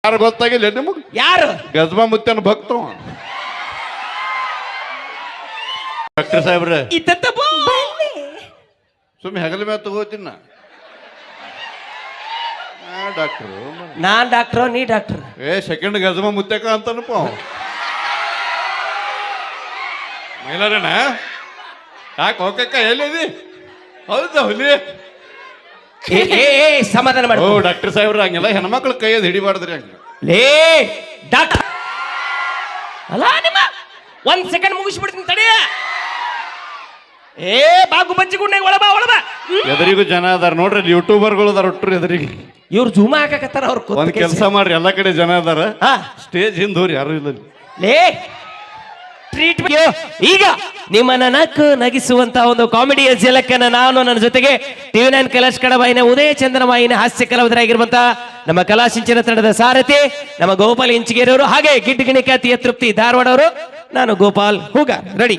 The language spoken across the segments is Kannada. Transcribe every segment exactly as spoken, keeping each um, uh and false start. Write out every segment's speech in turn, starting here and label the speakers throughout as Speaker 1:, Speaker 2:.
Speaker 1: ಯಾರು ಗೊತ್ತಾಗಿಲ್ಲ ನಿಮಗೆ?
Speaker 2: ಯಾರು?
Speaker 1: ಗಜಮಾ ಮುತ್ತನ ಭಕ್ತ ಡಾಕ್ಟರ್ ಸಾಹೇಬ್ರ. ಸುಮ್ಮನೆ ಹೆಗಲ ಮೇಲೆ ತಗೋತೀನ ಡಾಕ್ಟ್ರು.
Speaker 2: ನಾನ್ ಡಾಕ್ಟ್ರು, ನೀ ಡಾಕ್ಟರ್.
Speaker 1: ಏ ಸೆಕೆಂಡ್ ಗಜಮಾ ಮುತ್ತಕ ಅಂತನಪ್ಪ ಮೈಲಾರಣ್ಣ. ಯಾಕೆ ಹೋಗಕ್ಕ ಎಲ್ಲಿದಿ? ಹೌದಾ ಹುಲಿ?
Speaker 2: ಸಮಾಧಾನ ಮಾಡಿ.
Speaker 1: ಓ ಡಾಕ್ಟರ್ ಸಾಹೇಬ್ರ, ಹಂಗೆಲ್ಲ ಹೆಣ್ಮಕ್ಳು ಕೈಯದ್ ಹಿಡಿಬಾರ್ದ್ರಿ ಹಂಗ.
Speaker 2: ಲೇ ಡಾಕ್ಟರ್ ಅಲ್ಲ ನಿಮ್ಮ ಒಂದ್ ಸೆಕೆಂಡ್ ಮುಗಿಸ್ಬಿಡ್ತೀನಿ ತಡಿ. ಏ ಬಾಗು ಬಜ್ಜಿ ಗುಂಡೆಗೆ ಒಳಬಾ ಒಳಬಾ.
Speaker 1: ಎದರಿಗೂ ಜನ ಅದಾರ ನೋಡ್ರಿ, ಯೂಟ್ಯೂಬರ್ಗಳು ಅದಾರ ಒಟ್ಟರು ಎದರಿಗೆ.
Speaker 2: ಇವ್ರು ಜೂಮ ಹಾಕಕತ್ತಾರ. ಅವ್ರ
Speaker 1: ಒಂದ್ ಕೆಲಸ ಮಾಡ್ರಿ, ಎಲ್ಲಾ ಕಡೆ ಜನ ಅದಾರ, ಸ್ಟೇಜ್ ಹಿಂದೂರಿ ಯಾರು ಇಲ್ಲ.
Speaker 2: ಲೇ ಟ್ರೀಟ್ಮೆಂಟ್ ಈಗ ನಿಮ್ಮನ್ನ ನಕ್ಕು ನಗಿಸುವಂತ ಒಂದು ಕಾಮಿಡಿಯ ಜಲಕ್ಕನ್ನ ನಾನು ನನ್ನ ಜೊತೆಗೆ ಟಿವಿ ನೈನ್ ಕಲಾಶ್ ಕಡಬಾಯಿನ ಉದಯ ಚಂದ್ರಮಾಯಿನ ಹಾಸ್ಯ ಕಲಾವಿದರಾಗಿರುವಂತ ನಮ್ಮ ಕಲಾಸಿಂಚನ ತಂಡದ ಸಾರಥಿ ನಮ್ಮ ಗೋಪಾಲ್ ಇಂಚಿಗೇರವರು, ಹಾಗೆ ಗಿಡ್ಡ ಗಿಣಿಕಾತಿಯ ತೃಪ್ತಿ ಧಾರವಾಡ ಅವರು. ನಾನು ಗೋಪಾಲ್ ಹೂಗ ರೆಡಿ.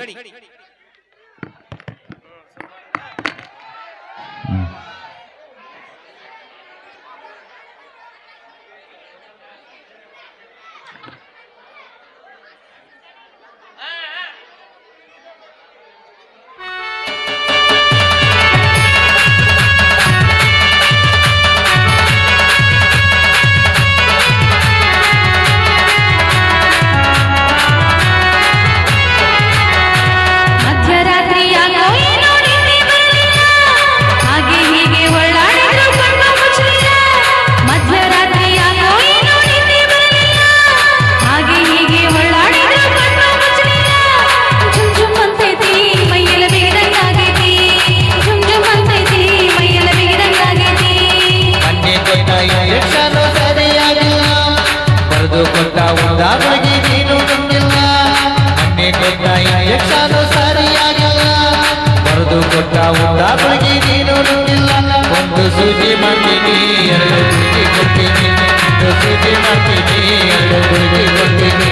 Speaker 3: ಒಂದು ಸೂಜಿ ಮಾಡ್ತೀನಿ, ಎರಡು ಸೂಜಿ ಕೊಡ್ತೀನಿ, ಒಂದು ಸೂಜಿ ಮಾಡ್ತೀನಿ, ಎರಡು ಸೂಜಿ ಕೊಡ್ತೀನಿ.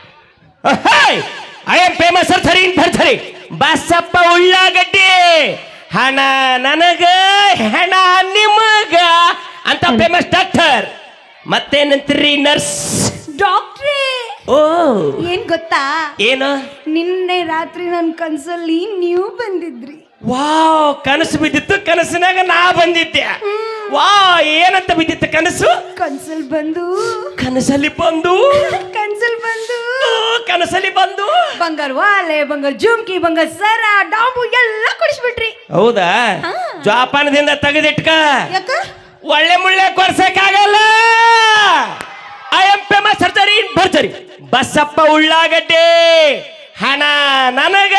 Speaker 2: ಐ ಆಮ್ ಫೇಮಸ್ ಥರಿ ಥರಿ ಬಸಪ್ಪ ಉಳ್ಳಾಗಡ್ಡಿ. ಹಣ ನನಗ ಹೆಣ ನಿಮಗ ಅಂತ ಫೇಮಸ್ ಡಾಕ್ಟರ್. ಮತ್ತೇನಂತೀರಿ ನರ್ಸ್?
Speaker 4: ಡಾಕ್ಟ್ರೇ,
Speaker 2: ಓ
Speaker 4: ಏನ್ ಗೊತ್ತಾ?
Speaker 2: ಏನು?
Speaker 4: ನಿನ್ನೆ ರಾತ್ರಿ ನನ್ನ ಕನ್ಸಲ್ಲಿ ನೀವು ಬಂದಿದ್ರಿ.
Speaker 2: ವಾವ್, ಕನಸು ಬಿದ್ದಿತ್ತು, ಕನಸಿನಾಗ ನಾ ಬಂದಿದ್ದೆ. ವಾ, ಏನಂತ ಬಿದ್ದಿತ್ತು ಕನಸು?
Speaker 4: ಕನ್ಸಲ್ ಬಂದು
Speaker 2: ಕನಸಲ್ಲಿ ಬಂದು
Speaker 4: ಕನ್ಸಲ್ ಬಂದು
Speaker 2: ಕನಸಲ್ಲಿ ಬಂದು
Speaker 4: ಬಂಗಾರ ವಾಲೆ, ಬಂಗಾರ ಜುಮ್ಕಿ, ಬಂಗಾರ ಸರ, ಡಾಂಬು ಎಲ್ಲ ಕೊಡಿಸ್ಬಿಟ್ರಿ.
Speaker 2: ಹೌದಾ? ಜೋಪಾನದಿಂದ ತೆಗೆದಿಟ್ಕ,
Speaker 4: ಯಾಕ
Speaker 2: ಒಳ್ಳೆ ಮುಳ್ಳೆ ಕೊರ್ಸಕ್ಕಾಗಲ್ಲ. I am famous surgery in ಭರ್ಜರಿ ಬಸಪ್ಪ ಉಳ್ಳಾಗಡ್ಡೆ. ಹಣ ನನಗ.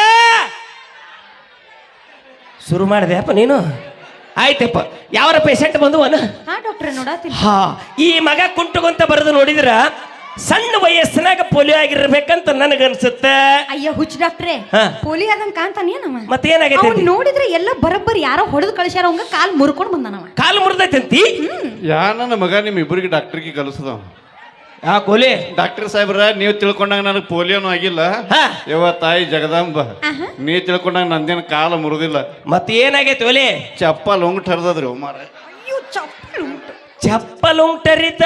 Speaker 2: ಶುರು ಮಾಡಿದೆ ಅಪ್ಪ ನೀನು. ಆಯ್ತಪ್ಪ, ಯಾವರ ಪೇಷಂಟ್ ಬಂದು ಅನ?
Speaker 4: ಹಾ ಡಾಕ್ಟ್ರೆ, ನೋಡತ್ತೀನಿ.
Speaker 2: ಹಾ, ಈ ಮಗ ಕುಂಟುಗೊಂತ ಬರೆದು ನೋಡಿದ್ರ ಸಣ್ಣ ವಯಸ್ಸಿನಾಗ ಪೋಲಿಯೋ ಆಗಿರ್ಬೇಕಂತ ನನಗನ್ಸುತ್ತೆ.
Speaker 4: ಅಯ್ಯ ಹುಚ್ಚ ಡಾಕ್ಟ್ರೆ,
Speaker 2: ಹಾ.
Speaker 4: ಪೋಲಿ ಆದಂಗ ಕಾಣ್ತಾನೇನವ?
Speaker 2: ಮತ್ತೇನಾಗೈತೆ?
Speaker 4: ಅವ್ನು ನೋಡಿದ್ರೆ ಎಲ್ಲ ಬರಬ್ಬರಿ ಯಾರೋ ಹೊಡೆದು ಕಳಿಸ್ಯಾರ, ಅವಂಗ ಕಾಲ್ ಮುರ್ಕೊಂಡು ಬಂದಾನವ.
Speaker 2: ಕಾಲು ಮುರಿದೈತಂತಿ?
Speaker 1: ಯಾ ನನ್ನ ಮಗ ನಿಮ್ ಇಬ್ಬರಿಗೆ ಡಾಕ್ಟರ್ಗೆ ಕಲಿಸದ.
Speaker 2: ಯಾ ಕೋಲಿ?
Speaker 1: ಡಾಕ್ಟರ್ ಸಾಹೇಬ್ರ, ನೀವು ತಿಳ್ಕೊಂಡಾಗ ನನಗೆ ಪೋಲಿಯೋನು ಆಗಿಲ್ಲ. ಯವ್ವ ತಾಯಿ ಜಗದಾಂಬ, ನೀ ತಿಳ್ಕೊಂಡಾಗ ನಂದೇನು ಕಾಲ ಮುರಿದಿಲ್ಲ.
Speaker 2: ಮತ್ತೆ ಏನಾಗೈತೆ ಒಲೆ?
Speaker 1: ಚಪ್ಪಲ್ ಉಂಗ್ ಹರಿದ್ರಿ ಮಾರ.
Speaker 4: ಅಯ್ಯೋ ಚಪ್ಪಲ್ ಉಂಟು.
Speaker 2: ಚಪ್ಪಲ್ ಉಂಟರಿತ?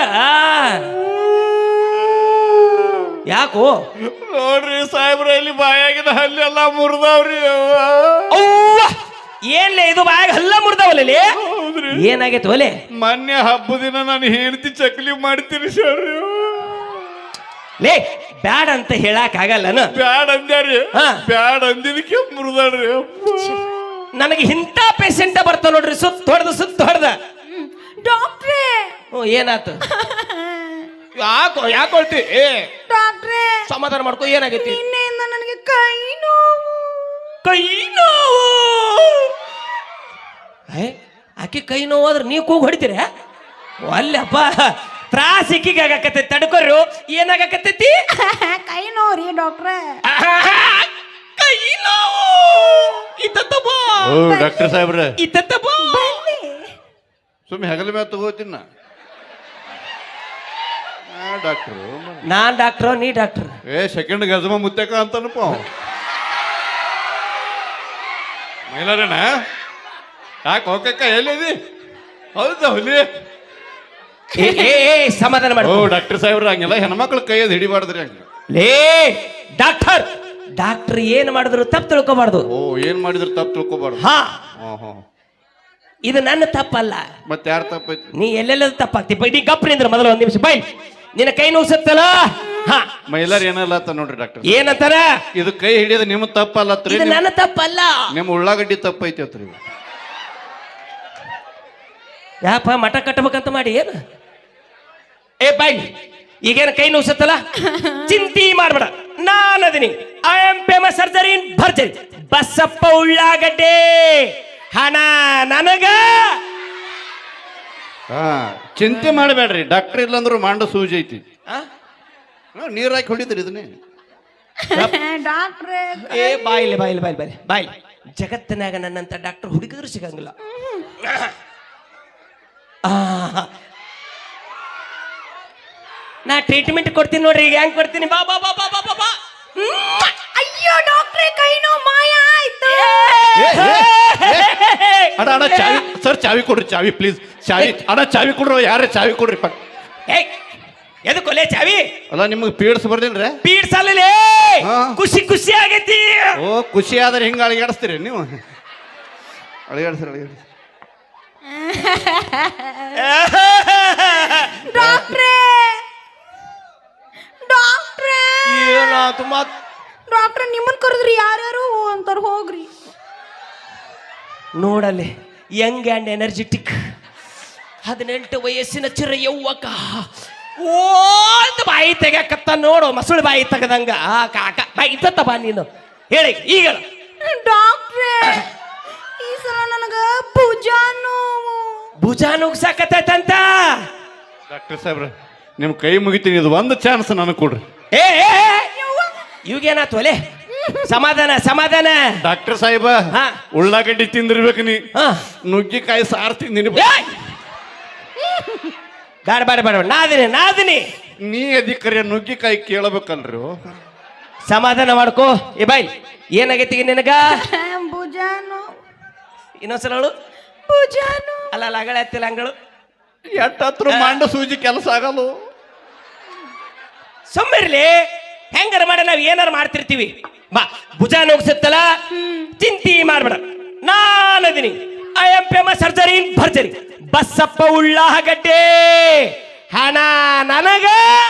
Speaker 2: ಯಾಕೋ?
Speaker 1: ನೋಡ್ರಿ ಸಾಹೇಬ್ರ, ಇಲ್ಲಿ ಬಾಯಾಗಿನ ಹಲ್ಲಿ ಎಲ್ಲ ಮುರಿದವ್ರಿ.
Speaker 2: ಅವ್ವ, ಏನ್ಲೇ ಇದು ಬಾಯಾಗ ಹಲ್ಲ ಮುರಿದವಲ್ಲಿ? ಏನಾಗೈತೆ ಒಲೆ?
Speaker 1: ಮೊನ್ನೆ ಹಬ್ಬ ದಿನ ನಾನು ಹೆಂಡತಿ ಚಕ್ಲಿ ಮಾಡ್ತೀನಿ ಸರ್.
Speaker 2: ಲೇ ಬ್ಯಾಡ್ ಅಂತ ಹೇಳಕ್ ಆಗಲ್ಲನ?
Speaker 1: ಬ್ಯಾಡ್ ಅಂದ್ಯಾರಿ. ಬ್ಯಾಡ್ ಅಂದಿದ್ದಕ್ಕೆ ಮುರಿದಾಡ್ರಿ.
Speaker 2: ನನಗೆ ಇಂಥ ಪೇಷಂಟ್ ಬರ್ತಾವ ನೋಡ್ರಿ, ಸುತ್ತ ಹೊಡೆದ ಸುತ್ತ ಹೊಡೆದ.
Speaker 4: ಡಾಕ್ಟ್ರೇ,
Speaker 2: ಹ್ಞೂ, ಏನಾತು? ಯಾಕೋ ಯಾಕೊಳ್ತಿ? ಏ
Speaker 4: ಡಾಕ್ಟ್ರೇ,
Speaker 2: ಸಮಾಧಾನ ಮಾಡ್ಕೊ. ಏನಾಗೈತಿ?
Speaker 4: ನಿನ್ನೆಯಿಂದ ನನಗೆ ಕೈ ನೋವು.
Speaker 2: ಕೈ ನೋವು? ಆಕೆ ಕೈ ನೋವು ಆದ್ರೆ ನೀವು ಕೂಗ್ ಹೊಡಿತೀರ? ಅಲ್ಲಪ್ಪ, ತ್ರಾಸ ಇಕ್ಕಿಗೆ ಆಗಾಕತ್ತೈತಿ. ತಡ್ಕೊರು. ಏನಾಗಕತ್ತೈತಿ?
Speaker 4: ಕೈ ನೋವು ರೀ ಡಾಕ್ಟ್ರೇ.
Speaker 2: ಕೈ ನೋವು ಇತ್ತಪ್ಪ.
Speaker 1: ಓ ಡಾಕ್ಟರ್ ಸಾಹೇಬ್ರ,
Speaker 2: ಇತ್ತಪ್ಪ.
Speaker 1: ಸುಮ್ಮನೆ ಹೆಗಲ ಮೇಲೆ ತಗೋತೀನ ಡಾಕ್ಟ್ರು.
Speaker 2: ನಾನ್ ಡಾಕ್ಟ್ರು, ನೀ ಡಾಕ್ಟರ್.
Speaker 1: ಏ ಸೆಕೆಂಡ್ ಗಜಮಾ ಮುತ್ತಕ ಅಂತನಪ್ಪ ಮೈಲಾರಣ್ಣ. ಯಾಕೆ ಹೋಗಕ್ಕ ಎಲ್ಲಿದಿ? ಹೌದಾ ಹುಲಿ?
Speaker 2: ಏ ಏ ಏ, ಸಮಾಧಾನ
Speaker 1: ಓ
Speaker 2: ಮಾಡು
Speaker 1: ಡಾಕ್ಟರ್ ಸಾಹೇಬ್ರ ಹಂಗೆಲ್ಲ ಹೆಣ್ಮಕ್ಳು ಕೈಯದ್ ಹಿಡಿಬಾರ್ದ್ರಿ ಹಂಗ.
Speaker 2: ಲೇ ಡಾಕ್ಟರ್ ಡಾಕ್ಟರ್ ಏನ್ ಮಾಡಿದ್ರು ತಪ್ಪು ತಿಳ್ಕೊಬಾರ್ದು.
Speaker 1: ಓ ಏನ್ ಮಾಡಿದ್ರು ತಪ್ಪು ತಿಳ್ಕೊಬಾರ್ದು.
Speaker 2: ಹಾ
Speaker 1: ಹಾ ಹಾ
Speaker 2: ಇದು ನನ್ನ ತಪ್ಪಲ್ಲ.
Speaker 1: ಮತ್ತೆ ಯಾರು ತಪ್ಪೈತಿ?
Speaker 2: ನೀ ಎಲ್ಲೆಲ್ಲ ತಪ್ಪಾಗ್ತಿ ನೀ ಗಪ್ರಿಂದ್ರ ಮೊದಲು ಒಂದ್ ನಿಮಿಷ ಬೈ ನಿನ್ನ ಕೈ ನೋಸತ್ತಲ್ಲ. ಹಾ
Speaker 1: ಮೈಲಾರ್ ಏನಲ್ಲ ಅಂತ ನೋಡ್ರಿ ಡಾಕ್ಟರ್.
Speaker 2: ಏನಂತಾರ?
Speaker 1: ಇದು ಕೈ ಹಿಡಿಯೋದು ನಿಮ್ಮ ತಪ್ಪಲ್ಲತ್ರಿ,
Speaker 2: ಇದು ನನ್ನ ತಪ್ಪಲ್ಲ.
Speaker 1: ನಿಮ್ಮ ಉಳ್ಳಾಗಡ್ಡಿ ತಪ್ಪೈತಿ ಅತ್ರಿ.
Speaker 2: ಯಾಪ ಮಠ ಕಟ್ಟಬೇಕಂತ ಮಾಡಿ ಏನು? ಏ ಬೈ ಈಗೇನು ಕೈ ನೋಸತ್ತಲ್ಲ, ಚಿಂತಿ ಮಾಡ್ಬೇಡ, ನಾನು ಅದೀನಿ. I am famous surgery in ಭರ್ಜರಿ ಬಸಪ್ಪ ಉಳ್ಳಾಗಡ್ಡೆ. ಹಣ ನನಗ.
Speaker 1: ಹಾ ಚಿಂತೆ ಮಾಡಬೇಡ್ರಿ, ಡಾಕ್ಟರ್ ಇಲ್ಲಂದ್ರು ಮಾಂಡ ಸೂಜಿ ಐತಿ.
Speaker 2: ಆ?
Speaker 1: ನೀರ್ ಹಾಕಿ ಹೊಡಿದ್ರಿ ಇದನ್ನೇ.
Speaker 4: ಡಾಕ್ಟ್ರೇ
Speaker 2: ಏ ಬಾಯಿಲೆ ಬಾಯಿಲೆ ಬಾಯಿಲೆ ಬಾಯಿಲೆ ಬಾಯಿಲೆ ಜಗತ್ತಿನಾಗ ನನ್ನಂತ ಡಾಕ್ಟರ್ ಹುಡುಗಿದ್ರು ಸಿಗಂಗಿಲ್ಲ. ಆ, ನಾ ಟ್ರೀಟ್ಮೆಂಟ್ ಕೊಡ್ತೀನಿ ನೋಡ್ರಿ. ಈಗ ಹೆಂಗ್ ಕೊಡ್ತೀನಿ? ಬಾ ಬಾ ಬಾ ಬಾ ಬಾ ಬಾ ಬಾ.
Speaker 4: ಅಯ್ಯೋ ಡಾಕ್ಟ್ರೇ ಕೈ ನೋವು ಮಾಯ ಆಯ್ತು.
Speaker 1: ಅಣ್ಣ ಅಣ್ಣ ಚಾವಿ ಸರ್, ಚಾವಿ ಕೊಡ್ರಿ, ಚಾವಿ ಪ್ಲೀಸ್, ಚಾವಿ ಅಣ್ಣ ಚಾವಿ ಕೊಡ್ರಿ, ಯಾರೇ ಚಾವಿ ಕೊಡ್ರಿ ಪಕ್.
Speaker 2: ಏಯ್ ಎದಕ್ಕೊಲೆ ಚಾವಿ?
Speaker 1: ಅಲ್ಲ ನಿಮ್ಗೆ ಪೀಡ್ಸ್ ಬರ್ದಿಲ್ರಿ?
Speaker 2: ಪೀಡ್ಸಲ್ಲೇ
Speaker 1: ಹಾ.
Speaker 2: ಖುಷಿ ಖುಷಿ ಆಗೈತಿ.
Speaker 1: ಓ ಖುಷಿ ಆದ್ರೆ ಹಿಂಗ ಅಳಿಗಾಡಿಸ್ತೀರಿ ನೀವು? ಅಳಿಗಾಡಿಸ್ರಿ ಅಳಿಗಾಡಿಸ್ರಿ.
Speaker 4: ಡಾಕ್ಟ್ರೇ ಡಾಕ್ಟ್ರೇ
Speaker 2: ಏನಾತು ಮತ್?
Speaker 4: ಡಾಕ್ಟ್ರೇ ನಿಮ್ಮನ್ ಕರೆದ್ರಿ ಯಾರ್ಯಾರು ಅಂತಾರ ಹೋಗ್ರಿ.
Speaker 2: ನೋಡಲ್ಲಿ ಯಂಗ್ ಆ್ಯಂಡ್ ಎನರ್ಜೆಟಿಕ್ ಹದಿನೆಂಟು ವಯಸ್ಸಿನ ಚಿರ ಯೌವಕ ಓ ಅಂತ ಬಾಯಿ ತೆಗ್ಯಾಕತ್ತ ನೋಡು, ಮಸುಳು ಬಾಯಿ ತೆಗದಂಗ. ಆ ಕಾಕ ಬಾಯಿ ಇತ್ತ ಬಾ ನೀನು ಹೇಳಿ ಈಗ.
Speaker 4: ಡಾಕ್ಟ್ರೇ ಈ ಸಲ ನನಗ ಭುಜಾ ನೋವು.
Speaker 2: ಭುಜ ನುಗ್ಸಾಕತ್ತಂತ.
Speaker 1: ಡಾಕ್ಟರ್ ಸಾಹೇಬ್ರ ನಿಮ್ ಕೈ ಮುಗಿತೀನಿ, ಇದು ಒಂದು ಚಾನ್ಸ್ ನನಗೆ ಕೊಡ್ರಿ.
Speaker 2: ಏ ಇವಾಗೇನಾತು ಒಲೆ? ಸಮಾಧಾನ ಸಮಾಧಾನ.
Speaker 1: ಡಾಕ್ಟರ್ ಸಾಹೇಬ
Speaker 2: ಹಾ.
Speaker 1: ಉಳ್ಳಾಗಡ್ಡಿ ತಿಂದಿರ್ಬೇಕು ನೀ,
Speaker 2: ಹಾ.
Speaker 1: ನುಗ್ಗಿಕಾಯಿ ಸಾರು ತಿಂದಿನಿ.
Speaker 2: ಏಯ್! ಬೇಡ ಬೇಡ ಬೇಡ ನಾದಿನಿ ನಾದಿನಿ.
Speaker 1: ನೀ ಅಧಿಕಾರಿ ನುಗ್ಗಿಕಾಯಿ ಕೇಳಬೇಕಲ್ರಿ.
Speaker 2: ಸಮಾಧಾನ ಮಾಡ್ಕೋ. ಏ ಬಾಯ್ ಏನಾಗೈತಿ ನಿನಗ?
Speaker 4: ಭುಜಾ ನೋವು
Speaker 2: ಇನ್ನೊಂದ್ಸಲ ಹೇಳು.
Speaker 4: ಭುಜಾ ನೋವು.
Speaker 2: ಅಲ್ಲ ಅಲ್ಲ ಅಗಳ ಎತ್ತಿಲ್ಲ ಅಂಗಳು
Speaker 1: ಎಟ್ಟತ್ರ ಮಂಡ ಸೂಜಿ ಕೆಲಸ ಆಗಲ್ಲ.
Speaker 2: ಸುಮ್ಮಿರ್ಲಿ, ಹೆಂಗಾರ ಮಾಡ ನಾವ್ ಏನಾರ ಮಾಡ್ತಿರ್ತೀವಿ. ಬಾ ಭುಜ ನುಗ್ಸತ್ತಲ್ಲ, ಚಿಂತಿ ಮಾಡ್ಬೇಡ, ನಾನದಿನಿ. I am famous surgery in ಭರ್ಜರಿ ಬಸಪ್ಪ ಉಳ್ಳಾಗಡ್ಡೆ. ಹಣ ನನಗ.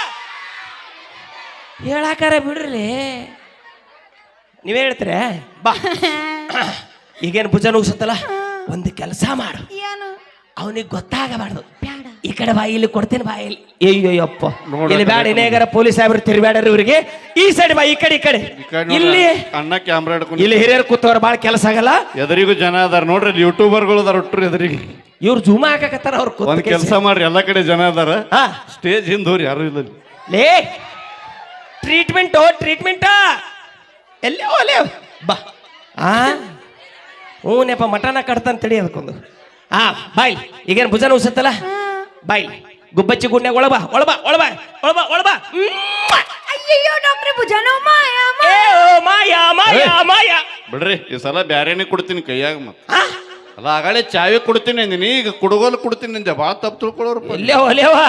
Speaker 2: ಹೇಳಾಕಾರ ಬಿಡ್ರಿ, ನೀವೇ ಹೇಳ್ತೀರ. ಬಾ ಈಗೇನು ಭುಜ ನುಗ್ಸತ್ತಲ್ಲ, ಒಂದು ಕೆಲಸ ಮಾಡು,
Speaker 4: ಏನು
Speaker 2: ಅವನಿಗೆ ಗೊತ್ತಾಗಬಾರ್ದು.
Speaker 4: ಬ್ಯಾಡ
Speaker 2: ಈ ಕಡೆ ಬಾಯಿ ಇಲ್ಲಿ ಕೊಡ್ತೇನೆ ಬಾಯಿ ಇಲ್ಲಿ. ಅಯ್ಯೋಯ್ಯಪ್ಪ
Speaker 1: ನೋಡು,
Speaker 2: ಇಲ್ಲಿ ಬ್ಯಾಡ, ಇನ್ನೇಗಾರ ಪೊಲೀಸ್ ಸಾಹೇಬ್ರು ತಿರ್ಬ್ಯಾಡ್ರಿ ಇವ್ರಿಗೆ. ಈ ಸೈಡ್ ಬಾ, ಈ ಕಡೆ ಈ ಕಡೆ.
Speaker 1: ಈ ಕಡೆ ನೋಡ್ರಿ,
Speaker 2: ಇಲ್ಲಿ
Speaker 1: ಅಣ್ಣ ಕ್ಯಾಮ್ರಾ ಹಿಡ್ಕೊಂಡು
Speaker 2: ಇಲ್ಲಿ ಹಿರಿಯರು ಕೂತವ್ರ ಬಾಳ ಕೆಲಸ ಆಗಲ್ಲ.
Speaker 1: ಎದುರಿಗೂ ಜನ ಅದಾರ ನೋಡ್ರಿ, ಯೂಟ್ಯೂಬರ್ಗಳು ಅದಾರ ಒಟ್ಟರು ಎದುರಿಗೆ.
Speaker 2: ಇವ್ರು ಜೂಮ ಹಾಕಕತ್ತಾರ ಅವ್ರ
Speaker 1: ಒಂದ್ ಕೆಲಸ ಮಾಡ್ರಿ, ಎಲ್ಲಾ ಕಡೆ ಜನ ಅದಾರ,
Speaker 2: ಹಾ
Speaker 1: ಸ್ಟೇಜ್ ಹಿಂದೋರಿ ಯಾರು ಇಲ್ಲ.
Speaker 2: ಲೇ ಟ್ರೀಟ್ಮೆಂಟ್ ಟ್ರೀಟ್ಮೆಂಟ್ ಎಲ್ಲೇ ಒಲೆ ಬಾ. ಆ ಹ್ಞೂನಪ್ಪ ಮಟನ ಕಟ್ತಾನ ತಡಿ ಅದಕ್ಕೊಂದು. ಹಾ ಬಾಯ್ ಈಗೇನು ಭುಜನ ಉಸತ್ತಲ್ಲ, ಬಾಯ್ ಗುಬ್ಬಚ್ಚಿ ಗುಂಡ್ಯಾಗ ಒಳಬಾ ಒಳಬಾ ಒಳಬಾ ಒಳಬಾ ಒಳಬಾ.
Speaker 4: ಅಯ್ಯಯ್ಯೋ ಡಾಕ್ಟ್ರೇ ಭುಜಾ ನೋವು ಮಾಯ
Speaker 2: ಏ ಓ ಮಾಯಾ ಮಾಯಾ ಮಾಯಾ.
Speaker 1: ಬಿಡ್ರಿ ಈ ಸಲ ಬ್ಯಾರೇನೆ ಕೊಡ್ತೀನಿ ಕೈಯಾಗ. ಮತ್ತ
Speaker 2: ಆ?
Speaker 1: ಅಲ್ಲ ಆಗಳೇ ಚಾವಿ ಕೊಡ್ತೀನಿ ಅಂದಿನಿ, ಈಗ ಕುಡುಗೋಲು ಕೊಡ್ತೀನಿ ಅಂದೆ. ಭಾಳ ತಪ್ಪು ತಿಳ್ಕೊಳ್ಳೋರು.
Speaker 2: ಎಲ್ಲೇ ಒಲೆವಾ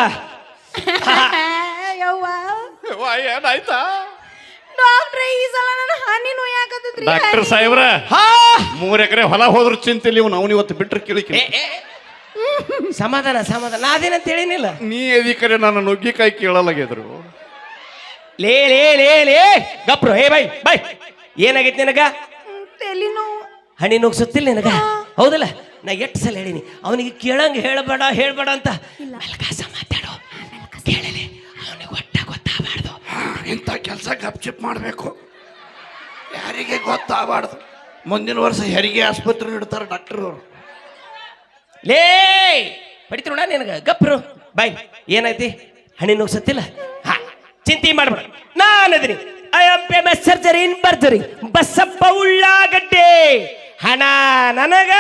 Speaker 4: ಯವ್ವ
Speaker 1: ಏನಾಯ್ತಾ?
Speaker 4: ಡಾಕ್ಟ್ರೇ ಈ ಸಲ ನನ್ನ ಹನಿ ನೋಯಾಕತ್ತೈತ್ರಿ.
Speaker 1: ಡಾಕ್ಟರ್ ಸಾಹೇಬ್ರ
Speaker 2: ಹಾ
Speaker 1: ಮೂರ್ ಎಕರೆ ಹೊಲ ಹೋದ್ರು ಚಿಂತಿಲ್ಲ, ಇವ್ನು ಅವ್ನು ಇವತ್ತು ಬಿಟ್ರೆ ಕೇಳಿಕಿ.
Speaker 2: ಏ, ಏ, ಸಮಾಧಾನ ಸಮಾಧಾನ, ನಾದೇನಂತ ಹೇಳಿನಿಲ್ಲ.
Speaker 1: ನೀ ಎದಿಕರೆ ನಾನು ನುಗ್ಗಿಕಾಯಿ ಕೇಳಲಾಗಿದ್ರು.
Speaker 2: ಲೇ ಲೇ ಲೇ ಲೇ ಗಪ್ರು. ಏ ಬೈ ಬೈ ಏನಾಗೈತಿ ನಿನಗ?
Speaker 4: ತಲೆ ನೋವು.
Speaker 2: ಹಣಿ ನುಗ್ಸುತ್ತಿಲ್ಲ ನಿನಗ? ಹೌದಲ್ಲ, ನಾ ಎಷ್ಟು ಸಲ ಹೇಳಿನಿ ಅವನಿಗೆ ಕೇಳಂಗ ಹೇಳ್ಬೇಡ ಹೇಳ್ಬೇಡ ಅಂತ. ಮೆಲ್ಕಾಸ ಮಾತಾಡು, ಕೇಳಲಿ, ಅವನಿಗೆ ಒಟ್ಟ ಗೊತ್ತಾಗಬಾರ್ದು.
Speaker 1: ಇಂಥ ಕೆಲಸ ಗಪ್ಚಿಪ್ ಮಾಡಬೇಕು, ಯಾರಿಗೆ ಗೊತ್ತಾಗಬಾರ್ದು. ಮುಂದಿನ ವರ್ಷ ಹೆರಿಗೆ ಆಸ್ಪತ್ರೆ ಇಡ್ತಾರೆ ಡಾಕ್ಟರ್ ಅವರು.
Speaker 2: ಲೇ ಪಡಿತಿ ನೋಡ ನಿನಗ ಗಪ್ರು. ಬಾಯ್ ಏನೈತಿ? ಹಣಿ ನುಗ್ಸತ್ತಿಲ್ಲ? ಹಾ ಚಿಂತೆ ಮಾಡ್ಬೇಡ, ನಾನದಿನಿ. I am famous surgery in ಭರ್ಜರಿ ಬಸಪ್ಪ ಉಳ್ಳಾಗಡ್ಡೆ. ಹಣ ನನಗ.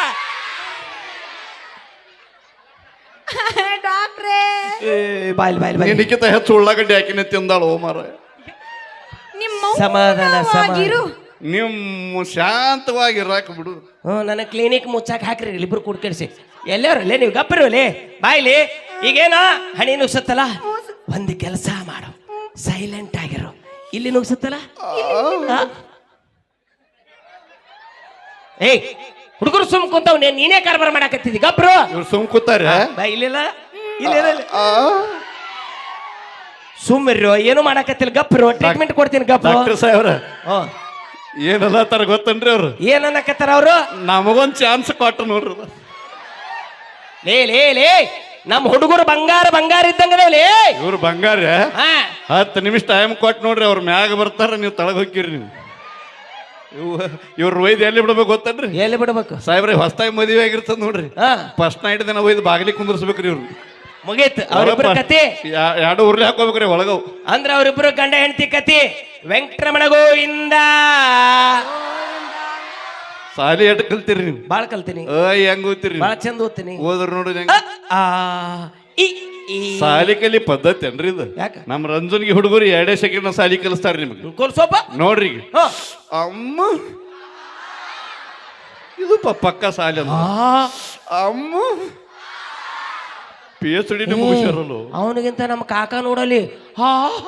Speaker 4: ಡಾಕ್ಟ್ರೇ
Speaker 2: ಬಾಯ್ ಬಾಯ್ ಬಾಯ್.
Speaker 1: ನಿನಗಿಂತ ಹೆಚ್ಚು ಉಳ್ಳಾಗಡ್ಡಿ ಹಾಕಿನ ತಿಂದಾಳು ಓ ಮಾರ.
Speaker 4: ನಿಮ್ಮ
Speaker 2: ಸಮಾಧಾನ
Speaker 4: ಆಗಿರು.
Speaker 1: ನಿಮ್ಮ ಶಾಂತವಾಗಿ ಇರಾಕ ಬಿಡು.
Speaker 2: ಹ್ಞೂ ನನ್ನ ಕ್ಲಿನಿಕ್ ಮುಚ್ಚಾಕ ಹಾಕ್ರಿ ಇಬ್ರು ಕೂಡ್ಕಡಿಸಿ. ಎಲ್ಲಾರಲ್ಲೇ ನೀವು ಗಪ್ಪರಲ್ಲೇ ಬಾಯ್ಲಿ. ಈಗೇನ ಹಣಿ ನುಗ್ಸತ್ತಲ್ಲ ಒಂದು ಕೆಲಸ ಮಾಡು, ಸೈಲೆಂಟ್ ಆಗಿರು. ಇಲ್ಲಿ ನುಗ್ಸತ್ತಲ್ಲ ಏಯ್ ಹುಡುಗರು ಸುಮ್ ಕುಂತಾವ್, ನೀನೇ ಕಾರ್ಬಾರ ಮಾಡಾಕತ್ತಿದ್ದಿ ಗಬ್ರು.
Speaker 1: ಇವ್ರು ಸುಮ್ ಕೂತಾರ
Speaker 2: ಬಾ ಇಲ್ಲಿಲ್ಲ ಇಲ್ಲ ಸುಮ್ಮಿರು, ಏನು ಮಾಡಾಕತ್ತಿಲ್ಲ ಗಬ್ರು. ಟ್ರೀಟ್ಮೆಂಟ್ ಕೊಡ್ತೀನಿ ಗಬ್ರು.
Speaker 1: ಡಾಕ್ಟರ್ ಸಾಹೇಬ್ರ
Speaker 2: ಹ್ಮ್
Speaker 1: ಏನಲ್ಲ ತರ ಗೊತ್ತನ್ರಿ ಅವ್ರು,
Speaker 2: ಏನ್ ಅನ್ನಕತ್ತಾರ ಅವರು?
Speaker 1: ನಮಗೊಂದ್ ಚಾನ್ಸ್ ಕೊಟ್ಟು ನೋಡ್ರಿ.
Speaker 2: ಲೇ ಲೇ ಲೇ ನಮ್ಮ ಹುಡುಗರು ಬಂಗಾರ ಬಂಗಾರ ಇದ್ದಂಗದ ಲೇ.
Speaker 1: ಇವ್ರು ಬಂಗಾರ
Speaker 2: ಹಾ
Speaker 1: ಹತ್ತು ನಿಮಿಷ ಟೈಮ್ ಕೊಟ್ಟು ನೋಡ್ರಿ, ಅವ್ರ ಮ್ಯಾಗ ಬರ್ತಾರ, ನೀವು ತಳಗ ಹೋಗಿರಿ. ನೀವು ಇವ್ ಇವ್ರ ಒಯ್ದು ಎಲ್ಲಿ ಬಿಡ್ಬೇಕು ಗೊತ್ತನ್ರಿ
Speaker 2: ಎಲ್ಲಿ ಬಿಡ್ಬೇಕು
Speaker 1: ಸಾಹೇಬ್ರಿ? ಹೊಸ್ತಾಗಿ ಮದುವೆ ಆಗಿರ್ತದ ನೋಡ್ರಿ,
Speaker 2: ಹಾ
Speaker 1: ಫಸ್ಟ್ ನೈಟ್ ದಿನ ಒಯ್ದು ಬಾಗಿಲಿ ಕುಂದರ್ಸ್ಬೇಕ್ರಿ ಇವ್ರು.
Speaker 2: ಮುಗೀತ್ ಅವ್ರಿಬ್ರ ಕತಿ.
Speaker 1: ಎರಡು ಉರ್ಲಿ ಹಾಕೋಬೇಕ್ರಿ ಒಳಗವು.
Speaker 2: ಅಂದ್ರ ಅವ್ರಿಬ್ರು ಗಂಡ ಹೆಂಡತಿ ಕತಿ. ವೆಂಕಟರಮಣ ಗೋವಿಂದ.
Speaker 1: ಸಾಲಿ ಎಟ್ ಕಲ್ತೀರಿ ನೀವು?
Speaker 2: ಬಾಳ್ ಕಲ್ತೀನಿ,
Speaker 1: ಅಯ್ ಹೆಂಗ್ ಓದ್ತೀರಿ?
Speaker 2: ಬಾಳ ಚಂದ ಓದ್ತೀನಿ.
Speaker 1: ಓದ್ರ ನೋಡ್ರಿ ಹೆಂಗ.
Speaker 2: ಆ, ಈ, ಈ.
Speaker 1: ಸಾಲಿ ಕಲಿ ಪದ್ಧತಿ ಏನ್ರಿ ಇದು?
Speaker 2: ಯಾಕ?
Speaker 1: ನಮ್ ರಂಜನ್ಗೆ ಹುಡುಗರು ಎರಡೇ ಸೆಕೆಂಡ್ ಸಾಲಿ ಕಲಿಸ್ತಾರ ನಿಮ್ಗೆ.
Speaker 2: ಕೋಲ್ಸೋಪ
Speaker 1: ನೋಡ್ರಿ ಈಗ.
Speaker 2: ಹಾ.
Speaker 1: ಅಮ್ಮ ಇದು ಪ- ಪಕ್ಕ ಸಾಲಿ ಅಲ್ಲ.
Speaker 2: ಆ,
Speaker 1: ಅಮ್ಮ ಪಿ ಎಚ್ ಡಿ ಮುಗಿಸ್ಯಾರಲ್ಲ.
Speaker 2: ಅವನಿಗಿಂತ ನಮ್ಮ ಕಾಕ ನೋಡಲಿ. ಹಾ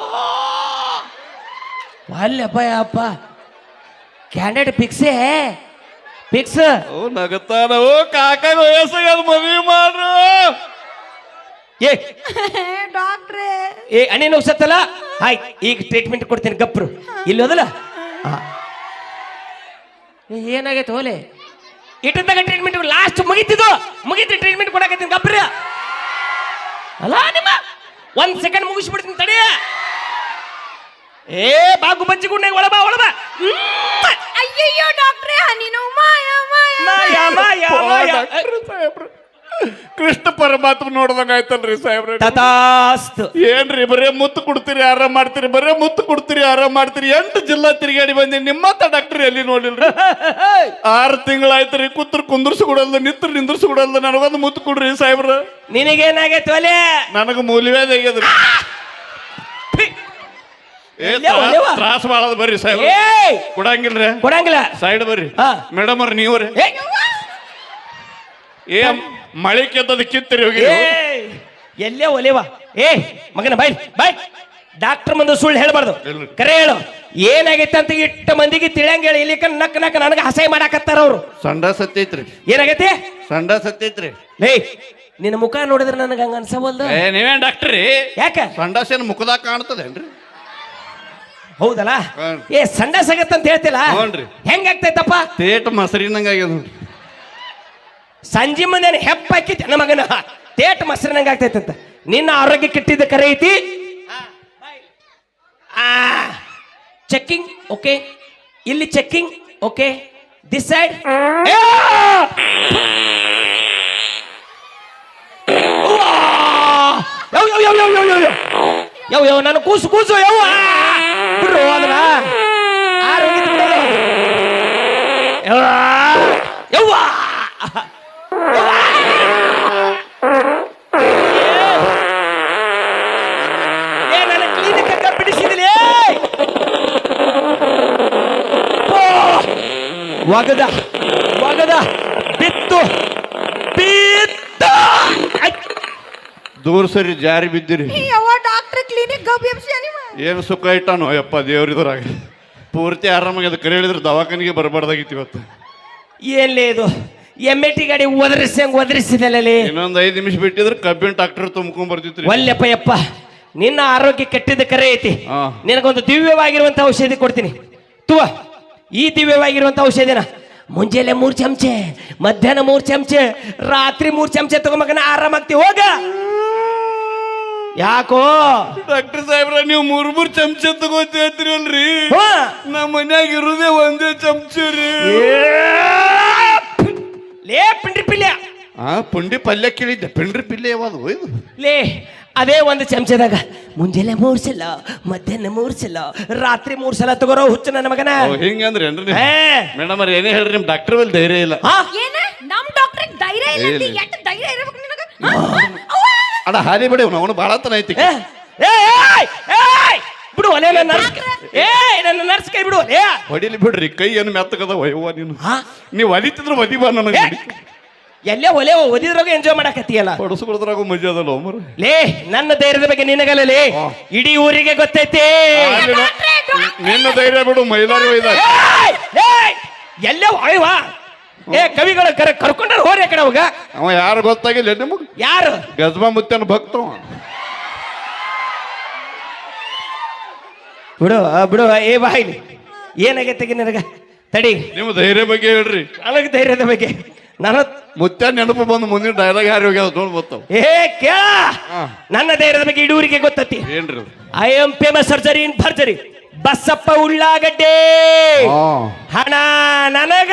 Speaker 2: ಅಲ್ಲಪ್ಪ ಅಪ್ಪ ಕ್ಯಾಂಡಿಡೇಟ್ ಫಿಕ್ಸೇ ಫಿಕ್ಸ್.
Speaker 1: ಓ ನಗತಾನ. ಓ ಕಾಕಾಗ ವಯಸ್ಸಾಗ ಮದ್ವಿ ಮಾಡ್ರು.
Speaker 2: ಏ
Speaker 4: ಡಾಕ್ಟ್ರೇ
Speaker 2: ಏ ಅಣ್ಣೆ ನುಗ್ಸತ್ತಲ್ಲ, ಹಾಯ್ ಈಗ ಟ್ರೀಟ್ಮೆಂಟ್ ಕೊಡ್ತೀನಿ ಗಪ್ರು. ಇಲ್ಲಿ ಹೋದಲ್ಲ ಏನಾಗೈತೆ ಹೋಲೆ ಇಟ್ಟದಾಗ ಟ್ರೀಟ್ಮೆಂಟ್ ಲಾಸ್ಟ್ ಮುಗಿತಿದ್ದು ಮುಗಿತು ಟ್ರೀಟ್ಮೆಂಟ್ ಕೊಡಕತ್ತೀನಿ ಗಪ್ರ. ಅಲ್ಲ ನಿಮ್ಮ ಒಂದ್ ಸೆಕೆಂಡ್ ಮುಗಿಸ್ಬಿಡ್ತೀನಿ ತಡಿ. ಏ ಬಾಗು ಬಜ್ಜಿ ಗುಂಡೆ ಒಳಬಾ ಒಳಬಾ.
Speaker 4: ಅಯ್ಯಯ್ಯೋ ಡಾಕ್ಟ್ರೇ ನೀನು ಮಾಯ ಮಾಯ
Speaker 2: ಮಾಯ ಮಾಯ ಮಾಯ.
Speaker 1: ಕೃಷ್ಣ ಪರಮಾತ್ಮ ನೋಡ್ದಂಗ ಆಯ್ತಲ್ರಿ ಸಾಹೇಬ್ರ.
Speaker 2: ತಥಾಸ್ತು.
Speaker 1: ಏನ್ರಿ ಬರೇ ಮುತ್ತು ಕೊಡ್ತೀರಿ ಆರಾಮ್ ಮಾಡ್ತೀರಿ, ಬರೇ ಮುತ್ತು ಕೊಡ್ತೀರಿ ಆರಾಮ್ ಮಾಡ್ತೀರಿ. ಎಂಟು ಜಿಲ್ಲಾ ತಿರುಗಾಡಿ ಬಂದಿ, ನಿಮ್ಮತ್ತ ಡಾಕ್ಟರ್ ಎಲ್ಲಿ ನೋಡಿಲ್ರಿ? ಆರು ತಿಂಗಳಾಯ್ತ್ರಿ ಕುತ್ರ ಕುಂದರ್ಸಿ ಕೊಡಲ್ದ, ನಿತ್ರ ನಿಂದ್ರಸಿ ಕೊಡಲ್ದ. ನನಗೊಂದು ಮುತ್ತು ಕೊಡ್ರಿ ಸಾಹೇಬ್ರ.
Speaker 2: ನಿನಗೇನಾಗೈತೆ ಒಲೆ?
Speaker 1: ನನಗ ಮೂಲಿವೇದ ಆಗ್ಯದ್ರಿ. ಏ ತ್ರಾಸ ಬಾಳದ ಬರ್ರಿ ಸಾಹೇಬ್ರ.
Speaker 2: ಏಯ್
Speaker 1: ಕೊಡಂಗಿಲ್ರಿ?
Speaker 2: ಕೊಡಂಗಿಲ್ಲ.
Speaker 1: ಸೈಡ್ ಬರ್ರಿ.
Speaker 2: ಹಾ.
Speaker 1: ಮೇಡಮ್ ಅವ್ರ ನೀವ್ರಿ
Speaker 2: ಏ
Speaker 1: ಏ ಮಳೆ ಕೆತ್ತದ ಕಿತ್ತರಿ ಹೋಗಿ.
Speaker 2: ಏಯ್ ಎಲ್ಲೇ ಒಲೆವಾ. ಏ ಮಗನ ಬಾಯ್ ಬಾಯ್. ಡಾಕ್ಟರ್ ಮುಂದೆ ಸುಳ್ಳು ಹೇಳ್ಬಾರ್ದು,
Speaker 1: ಇಲ್ರಿ.
Speaker 2: ಕರೆ ಹೇಳು. ಏನಾಗೈತೆ ಅಂತ ಇಟ್ಟ ಮಂದಿಗೆ ತಿಳಿಯಂಗ ಹೇಳಿ. ಇಲ್ಲಿ ನಕ್ ನಕ್ ನನಗೆ ಹಸೆ ಮಾಡಾಕತ್ತಾರ ಅವ್ರು.
Speaker 1: ಸಂಡ ಸತ್ತೈತ್ರಿ.
Speaker 2: ಏನಾಗೈತಿ?
Speaker 1: ಸಂಡ ಸತ್ತೈತ್ರಿ.
Speaker 2: ಲೇ ನಿನ್ನ ಮುಖ ನೋಡಿದ್ರೆ ನನಗೆ ಹಂಗ ಅನ್ಸವಲ್ದು.
Speaker 1: ಏ ನೀವೇನ್ ಡಾಕ್ಟ್ರಿ?
Speaker 2: ಯಾಕ?
Speaker 1: ಸಂಡಾಸೇನ್ ಮುಖದಾಗ ಕಾಣ್ತದೇನ್ರಿ?
Speaker 2: ಹೌದಲ್ಲ?
Speaker 1: ಹ್ಮ್.
Speaker 2: ಏ ಸಂಡಾಸ್ ಆಗತ್ತಂತ ಹೇಳ್ತಿಲ್ಲ,
Speaker 1: ಹ್ಞೂನ್ರಿ.
Speaker 2: ಹೆಂಗಾಗ್ತೈತಪ್ಪ?
Speaker 1: ತೇಟ್ ಮೊಸರಿನಂಗ ಆಗ್ಯದ ನೋಡ್ರಿ.
Speaker 2: ಸಂಜೆ ಮುಂದೆ ಹೆಪ್ಪ ಹಾಕಿದ್ದೆ ನನ್ನ ಮಗನ ತೇಟ್ ಮೊಸರಿನಂಗ ಆಗ್ತೈತಂತ. ನಿನ್ನ ಆರೋಗ್ಯ ಕೆಟ್ಟಿದ್ದ ಕರೆ ಐತಿ. ಚೆಕ್ಕಿಂಗ್ ಓಕೆ, ಇಲ್ಲಿ ಚೆಕ್ಕಿಂಗ್ ಓಕೆ, ದಿಸ್ ಸೈಡ್. ಯವ್ ಯವ್ ಯವ್ ಯವ್ ಯವ್ ಯವ್ ಯವ್ ಯವ್ ನಾನು ಕೂಸು ಕೂಸು ಯವ್ ಬಿಡ್ರು ಅದನ್ನ ಆರೋಗ್ಯ ಯವ್ವ ಏ ನನ್ನ ಕ್ಲಿನಿಕ್ ಬಿಡಿಸಿದಿಲ್ಲ. ಒಗದ ಒಗದ ಬಿತ್ತು ಬಿತ್ತು.
Speaker 1: ದೂರ ಸರಿ ಜಾರಿ ಬಿದ್ದಿರಿ.
Speaker 4: ಯವ್ವ ಡಾಕ್ಟ್ರ್ ಕ್ಲಿನಿಕ್ ಗಬ್ ಎಬ್ಸಿ ಅನಿಮ
Speaker 1: ಏನು ಸುಖ ಇಟ್ಟಾನು ಯಪ್ಪ ದೇವ್ರಿದ್ರಾಗ. ಪೂರ್ತಿ ಆರಾಮಾಗಿ ಕರೆ ಹೇಳಿದ್ರೆ ದವಾಖಾನಿಗೆ ಬರಬಾರ್ದಾಗಿತ್ತು ಇವತ್ತು.
Speaker 2: ಏನ್ಲೇ ಇದು ಎಮ್ಮೆ ಟಿ ಗಾಡಿ ಒದರಿಸಿ ಹಂಗ ಒದರಿಸಿದಲ್ಲೇ.
Speaker 1: ಇನ್ನೊಂದು ಐದು ನಿಮಿಷ ಬಿಟ್ಟಿದ್ರೆ ಕಬ್ಬಿನ ಟ್ರಾಕ್ಟರ್ ತುಂಬ್ಕೊಂಡ್ ಬರ್ತಿತ್ರಿ.
Speaker 2: ಒಲ್ಲೆಪ್ಪ ಯಪ್ಪ ನಿನ್ನ ಆರೋಗ್ಯ ಕೆಟ್ಟಿದ್ದ ಕರೆ ಐತಿ.
Speaker 1: ಹಾ.
Speaker 2: ನಿನಗೊಂದು ದಿವ್ಯವಾಗಿರುವಂತ ಔಷಧಿ ಕೊಡ್ತೀನಿ ತುವ. ಈ ದಿವ್ಯವಾಗಿರುವಂತ ಔಷಧಿನ ಮುಂಜಾನೆ ಮೂರ್ ಚಮಚೆ, ಮಧ್ಯಾಹ್ನ ಮೂರ್ ಚಮಚೆ, ರಾತ್ರಿ ಮೂರ್ ಚಮಚೆ ತಗೊಂಬಕನ ಆರಾಮಾಗ್ತಿ ಹೋಗ. ಯಾಕೋ
Speaker 1: ಡಾಕ್ಟರ್ ಸಾಹೇಬ್ರ ನೀವು ಮೂರ್ ಮೂರ್ ಚಮಚ ತಗೋತೀರಿ ಅಲ್ರಿ?
Speaker 2: ಹಾ.
Speaker 1: ನಮ್ಮ ಮನ್ಯಾಗ ಇರುದೇ ಒಂದೇ ಚಮಚ ರೀ.
Speaker 2: ಲೇ ಪಿಂಡ್ರಿ ಪಿಲ್ಯ.
Speaker 1: ಆ ಪುಂಡಿ ಪಲ್ಯ ಕೇಳಿದ್ದೆ, ಪಿಂಡ್ರಿ ಪಿಲ್ಯ ಯಾವುದು ಇದು?
Speaker 2: ಲೇ ಅದೇ ಒಂದು ಚಮಚದಾಗ ಮುಂಜಾನೆ ಮೂರ್ ಸಲ, ಮಧ್ಯಾಹ್ನ ಮೂರ್ ಸಲ, ರಾತ್ರಿ ಮೂರ್ ಸಲ ತಗೋರೋ ಹುಚ್ಚು ನನ್ನ ಮಗನ.
Speaker 1: ಹಿಂಗಂದ್ರಿ ಏನ್ರಿ?
Speaker 2: ಹೇ.
Speaker 1: ಮೇಡಮ್ ಅವ್ರ ಏನೇ ಹೇಳ್ರಿ, ನಿಮ್ ಡಾಕ್ಟರ್ ಮೇಲೆ ಧೈರ್ಯ ಇಲ್ಲ.
Speaker 2: ಹಾ?
Speaker 4: ಏನ ನಮ್ ಡಾಕ್ಟ್ರ್ ಧೈರ್ಯ ಇಲ್ಲ ಅಂತ
Speaker 1: ಇಲ್ಲ.
Speaker 4: ಎಷ್ಟು ಧೈರ್ಯ ಇರಬೇಕು ನಿನಗ?
Speaker 1: ಅಡ ಹಾಲಿ ಬಿಡಿ, ಅವನು ಬಾಳತನ ಐತಿ.
Speaker 2: ಏ, ಏಯ್, ಏಯ್, ಬಿಡು ಒಲೆ ನನ್ನ ನರ್ಸ್. ಏ ನನ್ನ ನರ್ಸ್ ಕೈ ಬಿಡು ಒಲೆ.
Speaker 1: ಹೊಡಿಲಿ ಬಿಡ್ರಿ, ಕೈ ಏನು ಮೆತ್ತಗದ ವಯವ್ವ ನೀನು.
Speaker 2: ಹಾ?
Speaker 1: ನೀವು ಒಲಿತಿದ್ರು ಒದಿ ಬಾ ನನಗೆ.
Speaker 2: ಏ, ಎಲ್ಲೇ ಒಲೆ ಓದಿದ್ರಾಗ ಎಂಜಾಯ್ ಮಾಡಕತ್ತೀಯಲ್ಲ
Speaker 1: ಹೊಡಸ್ಕೊಳದ್ರಾಗ ಮಜಾ ಅದಲ್ಲ ಮರ
Speaker 2: ಲೇ ನನ್ನ ಧೈರ್ಯದ ಬಗ್ಗೆ ನಿನಗಲ್ಲ ಲೇ ಇಡೀ ಊರಿಗೆ ಗೊತ್ತೈತಿ
Speaker 1: ನಿನ್ನ ಧೈರ್ಯ ಬಿಡು ಮೈಲಾರಿ ಒಯ್ದ
Speaker 2: ಏಯ್! ಏಯ್! ಎಲ್ಲೇ ಅಯ್ಯವಾ ಏ ಕವಿಗಳ ಕರೆ ಕರ್ಕೊಂಡ್ರೆ ಹೋರಿ ಆ ಕಡೆ ಅವಾಗ
Speaker 1: ಅವ ಯಾರು ಗೊತ್ತಾಗಿಲ್ಲ ನಿಮಗ್
Speaker 2: ಯಾರು
Speaker 1: ಗಜಮಾ ಮುತ್ತನ ಭಕ್ತವ
Speaker 2: ಬಿಡು ಆ, ಬಿಡು ಏ ಬಾಯಿಲಿ ಏನಾಗೈತೆ ನಿನಗ ತಡಿ
Speaker 1: ನಿಮ್ಮ ಧೈರ್ಯ ಬಗ್ಗೆ ಹೇಳ್ರಿ
Speaker 2: ನನಗೆ ಧೈರ್ಯದ ಬಗ್ಗೆ ನನ್ನ
Speaker 1: ಮುತ್ತ ನೆನಪು ಬಂದು ಮುಂದಿನ ಡೈಲಾಗ್ ಯಾರು ಹೋಗ್ಯಾವ ನೋಡ್ ಬರ್ತಾವ
Speaker 2: ಏ ಕೇಳ ನನ್ನ ಧೈರ್ಯದ ಬಗ್ಗೆ ಇಡೀ ಊರಿಗೆ ಗೊತ್ತತಿ
Speaker 1: ಏನ್ರಿ ಅದು?
Speaker 2: I am famous surgery in ಭರ್ಜರಿ ಬಸಪ್ಪ ಉಳ್ಳಾಗಡ್ಡೆ ಹಣ ನನಗ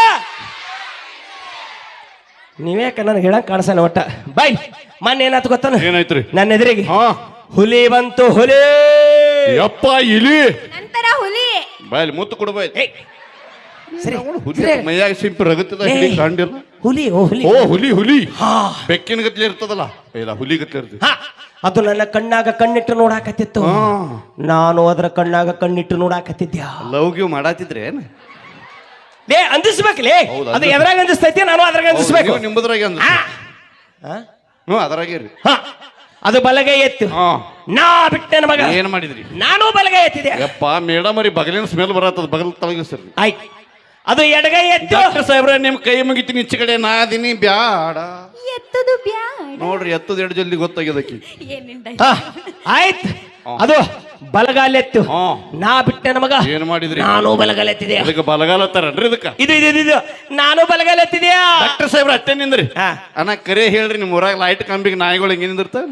Speaker 2: ನೀವ್ಯಾಕ ನನಗೆ ಹೇಳಕ್ ಕಾಣಿಸಲ್ಲ ಒಟ್ಟ ಬೈ ಮೊನ್ನೆ ಏನಾಯ್ತು ಗೊತ್ತಾನ
Speaker 1: ಏನಾಯ್ತ್ರಿ
Speaker 2: ನನ್ನ ಎದುರಿಗೆ
Speaker 1: ಹಾ
Speaker 2: ಹುಲಿ ಬಂತು ಹುಲಿ
Speaker 1: ಯಪ್ಪ ಇಲಿ
Speaker 4: ನಂತರ ಹುಲಿ
Speaker 1: ಬಾಯಲ್ಲಿ ಮುತ್ತು ಕೊಡ್ಬಾಯ್
Speaker 2: ಏಯ್, ಸರಿ
Speaker 1: ಹುಲಿ
Speaker 2: ಸರಿ.
Speaker 1: ಮೈಯಾಗ ಸಿಂಪಿ ರಗತ್ತದ
Speaker 2: ಏ,
Speaker 1: ಹಿಡಿ ಕಂಡಿಲ್ಲ
Speaker 2: ಹುಲಿ ಓ ಹುಲಿ
Speaker 1: ಓ ಹುಲಿ ಹುಲಿ
Speaker 2: ಹಾ
Speaker 1: ಬೆಕ್ಕಿನ ಗತ್ಲೆ ಇರ್ತದಲ್ಲ ಇಲ್ಲ ಹುಲಿ ಗತ್ಲೆ ಇರ್ತದೆ
Speaker 2: ಹಾ ಅದು ನನ್ನ ಕಣ್ಣಾಗ ಕಣ್ಣಿಟ್ಟು ನೋಡಾಕತ್ತಿತ್ತು
Speaker 1: ಹಾ
Speaker 2: ನಾನು ಅದರ ಕಣ್ಣಾಗ ಕಣ್ಣಿಟ್ಟು ನೋಡಾಕತ್ತಿದ್ಯಾ
Speaker 1: ಲವ್ ಗಿವ್ ಮಾಡಾತಿದ್ರೆ ಏನ್
Speaker 2: ಲೇ ಅಂದಿಸ್ಬೇಕಲೇ
Speaker 1: ಹೌದು,
Speaker 2: ಅದು ಎದ್ರಾಗ ಅಂದಿಸ್ತೈತಿ ನಾನು ಅದ್ರಾಗ ಅಂದಿಸ್ಬೇಕು
Speaker 1: ನೀವು ನಿಮ್ಮದ್ರಾಗ ಅಂದ
Speaker 2: ಹಾ. ಹಾ?
Speaker 1: ಹ್ಞೂ ಅದ್ರಾಗೇರಿ
Speaker 2: ಹಾ. ಅದು ಬಲಗೈ ಎತ್ತು
Speaker 1: ಹಾ
Speaker 2: ನಾ ಬಿಟ್ಟೆ ಮಗ
Speaker 1: ಏನ್ ಮಾಡಿದ್ರಿ
Speaker 2: ನಾನು ಬಲಗೈ ಎತ್ತಿದೆ
Speaker 1: ಯಪ್ಪ ಮೇಡಮ್ ಅವ್ರಿ ಬಗಲಿನ ಸ್ಮೆಲ್ ಬರತ್ತದ ಬಗಲ್ ತಳಗಿಸ್ರಿ
Speaker 2: ಆಯ್ತು ಅದು ಎಡಗೈ ಎತ್ತು
Speaker 1: ಡಾಕ್ಟರ್ ಸಾಹೇಬ್ರ ನಿಮ್ ಕೈ ಮುಗಿತೀನಿ ಈಚೆ ಕಡೆ ನಾ ಅದೀನಿ ಬ್ಯಾಡ
Speaker 4: ಎತ್ತದು ಬ್ಯಾಡ
Speaker 1: ನೋಡ್ರಿ ಎತ್ತದ ಎರಡು ಜಲ್ದಿ ಗೊತ್ತಾಗ್ಯದಕ್ಕಿ
Speaker 4: ಏನಿಂದ
Speaker 2: ಹಾ, ಆಯ್ತು ಅದು ಬಲಗಾಲೆತ್ತು
Speaker 1: ಹಾ
Speaker 2: ನಾ ಬಿಟ್ಟೆ ಮಗ
Speaker 1: ಏನ್ ಮಾಡಿದ್ರಿ
Speaker 2: ನಾನು ಬಲಗಾಲೆತ್ತಿದೆ
Speaker 1: ಇದಕ್ಕೆ ಬಲಗಾಲ ತರನ್ರಿ ಇದಕ್ಕ
Speaker 2: ಇದು ಇದು ಇದು, ಇದು ನಾನು ಬಲಗಾಲೆತ್ತಿದ್ಯಾ
Speaker 1: ಡಾಕ್ಟರ್ ಸಾಹೇಬ್ರ ಅಟ್ಟೆ ನಿಂದ್ರಿ
Speaker 2: ಹಾ
Speaker 1: ಅಣ್ಣ ಕರೆ ಹೇಳ್ರಿ ನಿಮ್ ಊರಾಗ ಲೈಟ್ ಕಂಬಿಗೆ ನಾಯಿಗಳು ಹೆಂಗೆ ನಿಂದಿರ್ತಾವ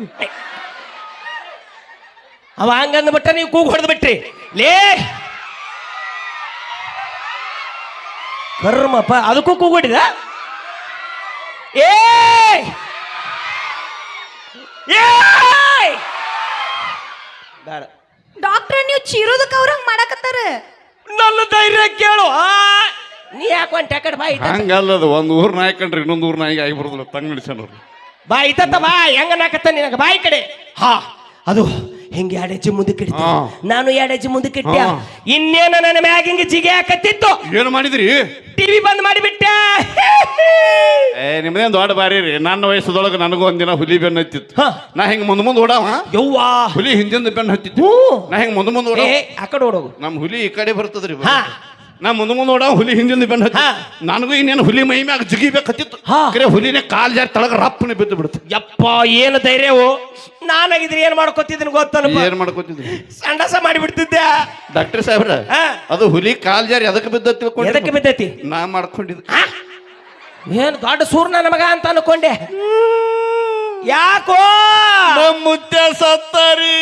Speaker 2: ಅವ ಹಂಗಂದ್ಬಿಟ್ಟ ನೀವು ಕೂಗ್ ಹೊಡೆದು ಬಿಟ್ರಿ ಲೇ ಕರ್ಮಪ್ಪ ಅದಕ್ಕೂ ಕೂಗುಡಿದ ಏ ಬೇಡ
Speaker 4: ಡಾಕ್ಟರ್ ನೀವು ಚೀರೋದಕ್ಕೆ ಅವ್ರ ಹಂಗ್ ಮಾಡಕತ್ತಾರ
Speaker 2: ನನ್ನ ಧೈರ್ಯ ಕೇಳು ಆ, ನೀ ಯಾಕೆ ಒಂದ್ ಟೆಕಡ್ ಬಾ ಇತ್ತ
Speaker 1: ಹಂಗಲ್ಲದ ಒಂದ್ ಊರ್ ನಾಯಿ ಕಂಡ್ರಿ ಇನ್ನೊಂದ್ ಊರ್ ನಾಯಿಗೆ ಆಗಿ ಬರೋದಿಲ್ಲ ತಂಗ್ ನಡೆಸೋರು
Speaker 2: ಬಾ ಇತ್ತ ಬಾ ಹೆಂಗ ನಾಕತ್ತ ನಿನಗ ಬಾಯಿ ಕಡೆ ಹಾ ಅದು ಹಿಂಗೆ ಎರಡು ಹೆಜ್ಜೆ ಮುಂದಕ್ಕೆ ಇಡ್ತ
Speaker 1: ಹಾ.
Speaker 2: ನಾನು ಎರಡು ಹೆಜ್ಜೆ ಮುಂದಕ್ಕೆ ಇಟ್ಟ
Speaker 1: ಹಾ.
Speaker 2: ಇನ್ನೇನು ನನ್ನ ಮ್ಯಾಗ ಹಿಂಗೆ ಜಿಗೆ ಹಾಕತ್ತಿತ್ತು
Speaker 1: ಏನ್ ಮಾಡಿದ್ರಿ
Speaker 2: ಟಿವಿ ಬಂದ್ ಮಾಡಿಬಿಟ್ಟ
Speaker 1: ಏ ನಿಮ್ದೇನ್ ದೊಡ್ಡ ಬಾರಿ ರೀ ನನ್ನ ವಯಸ್ಸದೊಳಗೆ ನನಗೂ ಒಂದಿನ ಹುಲಿ ಬೆನ್ನ ಹತ್ತಿತ್ತು
Speaker 2: ಹಾ.
Speaker 1: ನಾ ಹಿಂಗ್ ಮುಂದ್ ಮುಂದ್ ಓಡಾವ
Speaker 2: ಯವ್ವಾ
Speaker 1: ಹುಲಿ ಹಿಂದಿಂದ ಬೆನ್ನ ಹತ್ತಿತ್ತು
Speaker 2: ಹ್ಞೂ.
Speaker 1: ನಾ ಹಿಂಗ್ ಮುಂದ್ ಮುಂದ್
Speaker 2: ಏ
Speaker 1: ಓಡಾವ
Speaker 2: ಆ ಕಡೆ ಓಡೋಗು
Speaker 1: ನಮ್ ಹುಲಿ ಈ ಕಡೆ ಬರ್ತದ್ರಿ
Speaker 2: ಹಾ.
Speaker 1: ನಾ ಮುಂದ್ ಮುಂದ್ ಓಡಾವ ಹುಲಿ ಹಿಂದಿಂದ ಬೆನ್ನ ಹತ್ತಿ
Speaker 2: ಹಾ.
Speaker 1: ನನಗೂ ಇನ್ನೇನು ಹುಲಿ ಮೈ ಮ್ಯಾಗ ಜಿಗಿಬೇಕತ್ತಿತ್ತು
Speaker 2: ಹಾ.
Speaker 1: ಕರೆ ಹುಲಿನೇ ಕಾಲ್ ಜಾರಿ ತಳಗ ರಪ್ಪನೆ ಬಿದ್ದು ಬಿಡುತ್ತೆ
Speaker 2: ಯಪ್ಪ ಏನು ಧೈರ್ಯವು ನಾನಾಗಿದ್ರೆ ಏನ್ ಮಾಡ್ಕೊತಿದ್ದೀನಿ ಗೊತ್ತನಪ್ಪ
Speaker 1: ಏನ್ ಮಾಡ್ಕೊತಿದ್ರಿ
Speaker 2: ಸಂಡಸ ಮಾಡಿಬಿಡ್ತಿದ್ದೆ
Speaker 1: ಡಾಕ್ಟರ್ ಸಾಹೇಬ್ರ
Speaker 2: ಹಾ.
Speaker 1: ಅದು ಹುಲಿ ಕಾಲ್ ಜಾರಿ ಅದಕ್ಕೆ ಬಿದ್ದ
Speaker 2: ಎದಕ್ಕೆ
Speaker 1: ತಿಳ್ಕೊಂಡು
Speaker 2: ಬಿದ್ದೈತಿ
Speaker 1: ನಾ ಮಾಡ್ಕೊಂಡಿದ್ದೆ
Speaker 2: ಆ? ಏನ್ ದೊಡ್ಡ ಸೂರ್ನ ನಮಗ ಅಂತ ಅನ್ಕೊಂಡೆ ಯಾಕೋ
Speaker 1: ನಮ್ ಮುತ್ಯ ಸತ್ತಾರಿ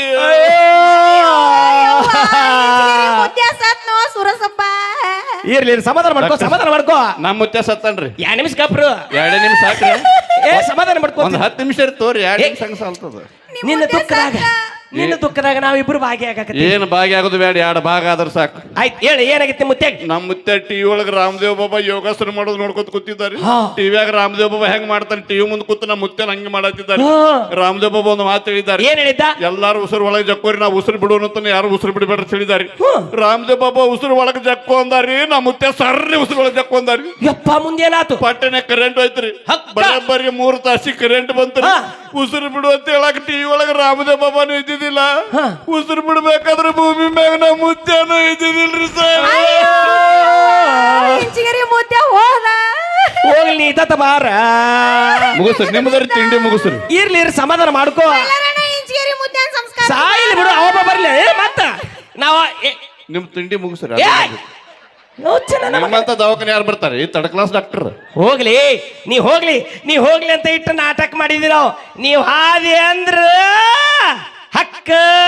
Speaker 4: ನೋ ಸುರಸಪ್ಪ
Speaker 2: ಇರ್ಲಿ ಇರ್ಲಿ, ಸಮಾಧಾನ ಮಾಡ್ಕೋ ಸಮಾಧಾನ ಮಾಡ್ಕೋ
Speaker 1: ನಮ್ ಮುತ್ಯ ಸತ್ತನ್ರಿ
Speaker 2: ಯಾ ನಿಮಿಷ ಕಪ್ರು
Speaker 1: ಎರಡೇ ನಿಮಿಷ ಸಾಕ್ರಿ
Speaker 2: ಏ ಸಮಾಧಾನ ಮಾಡ್ಕೋ
Speaker 1: ಒಂದ್ ಹತ್ತು ನಿಮಿಷ ತೋರಿ ಎರಡು
Speaker 2: ಏ.
Speaker 1: ನಿಮಿಷ ಹಂಗ ಸಾಲ್ತದ
Speaker 2: ನಿನ್ನ ದುಃಖದಾಗ ನಿನ್ನ ದುಃಖದಾಗ ನಾವಿಬ್ರು ಭಾಗಿಯಾಗಕತ್ತೀವಿ
Speaker 1: ಏನ್ ಭಾಗಿ ಆಗೋದು ಬೇಡ ಎರಡು ಭಾಗ ಆದ್ರ ಸಾಕು
Speaker 2: ಆಯ್ತು ಹೇಳಿ ಏನಾಗಿತ್ತು ಮುತ್ತೆ
Speaker 1: ನಮ್ ಮುತ್ಯ ಟಿವಿ ಒಳಗ ರಾಮದೇವ್ ಬಾಬಾ ಯೋಗಾಸನ ಮಾಡೋದು ನೋಡ್ಕೊತ ಕೂತಿದ್ದಾರೆ
Speaker 2: ಹಾ.
Speaker 1: ಟಿವಿಯಾಗ ರಾಮದೇವ್ ಬಾಬಾ ಹೆಂಗ್ ಮಾಡ್ತಾನೆ ಟಿವಿ ಮುಂದೆ ಕೂತು ನಮ್ಮ ಮುತ್ಯನ ಹಂಗೆ ಮಾಡತ್ತಿದ್ದಾರೆ
Speaker 2: ಹಾ.
Speaker 1: ರಾಮದೇವ್ ಬಾಬಾ ಒಂದು ಮಾತು ಹೇಳಿದ್ದಾರೆ
Speaker 2: ಏನ್ ಹೇಳಿದ್ದ
Speaker 1: ಎಲ್ಲಾರು ಉಸಿರು ಒಳಗೆ ಜಕ್ಕೋರಿ ನಾವು ಉಸಿರು ಬಿಡೋಣ ಅಂತ ಯಾರು ಉಸಿರು ಬಿಡಬೇಡ ಅಂತ ಹೇಳಿದ್ದಾರೆ
Speaker 2: ಹ್ಮ್.
Speaker 1: ರಾಮದೇವ್ ಬಾಬಾ ಉಸಿರು ಒಳಗೆ ಜಕ್ಕೋ ಅಂದಾರಿ ನಮ್ಮ ಮುತ್ಯ ಸರ್ರಿ ಉಸಿರು ಒಳಗೆ ಜಕ್ಕೋ ಅಂದಾರಿ
Speaker 2: ಯಪ್ಪ ಮುಂದೇನಾತು
Speaker 1: ಪಟ್ಟನೆ ಕರೆಂಟ್ ಹೋಯ್ತ್ರಿ
Speaker 2: ಹಕ್ಕ.
Speaker 1: ಬರೀ ಮೂರು ತಾಸಿ ಕರೆಂಟ್ ಬಂತ್ರಿ
Speaker 2: ಹಾ.
Speaker 1: ಉಸಿರು ಬಿಡು ಅಂತ ಹೇಳಕ್ ಟಿವಿ ಒಳಗೆ ರಾಮದೇವ್ ಬಾಬಾನು ಇದ್ದಿದ್ದಿಲ್ಲ
Speaker 2: ಹಾ.
Speaker 1: ಉಸಿರು ಬಿಡ್ಬೇಕಾದ್ರೆ ಭೂಮಿ ಮ್ಯಾಗ ನಮ್ಮ ಮುತ್ಯನೂ ಇದ್ದಿದ್ದಿಲ್ರಿ ಸರ್
Speaker 4: ಇಂಚಿಗರಿ ಮುದ್ದೆ ಹೋದ
Speaker 2: ಹೋಗ್ಲಿ ನೀ ತತ್ತ ಬಾರ
Speaker 1: ಮುಗಿಸ್ರಿ ನಿಮ್ಮದ್ರ ತಿಂಡಿ ಮುಗಿಸ್ರಿ
Speaker 2: ಇರ್ಲಿ ಇರ್ಲಿ ಸಮಾಧಾನ ಮಾಡ್ಕೋ
Speaker 4: ಎಲ್ಲರನ್ನ ಇಂಚಿಗರಿ ಮುದ್ದೆ ಸಂಸ್ಕಾರ
Speaker 2: ಸಾಯಿಲ್ ಬಿಡು ಅವ ಬರ್ಲಿ ಏ, ಮತ್ತ ನಾವ ಏ,
Speaker 1: ನಿಮ್ ತಿಂಡಿ ಮುಗಿಸ್ರಿ
Speaker 2: ಏ, ಯೋಚ್ನೆ ನನ್ನ ಮಗ.
Speaker 1: ನಿಮ್ಮಂತ ದವಾಖಾನೆ ಯಾರು ಬರ್ತಾರೆ ಈ ತರ್ಡ್ ಕ್ಲಾಸ್ ಡಾಕ್ಟರ್
Speaker 2: ಹೋಗ್ಲಿ ನೀ ಹೋಗ್ಲಿ ನೀ ಹೋಗ್ಲಿ ಅಂತ ಇಟ್ಟು ನಾಟಕ ಮಾಡಿದಿ ನಾವು ನೀವ್ ಹಾದಿ ಅಂದ್ರ ಹಕ್ಕ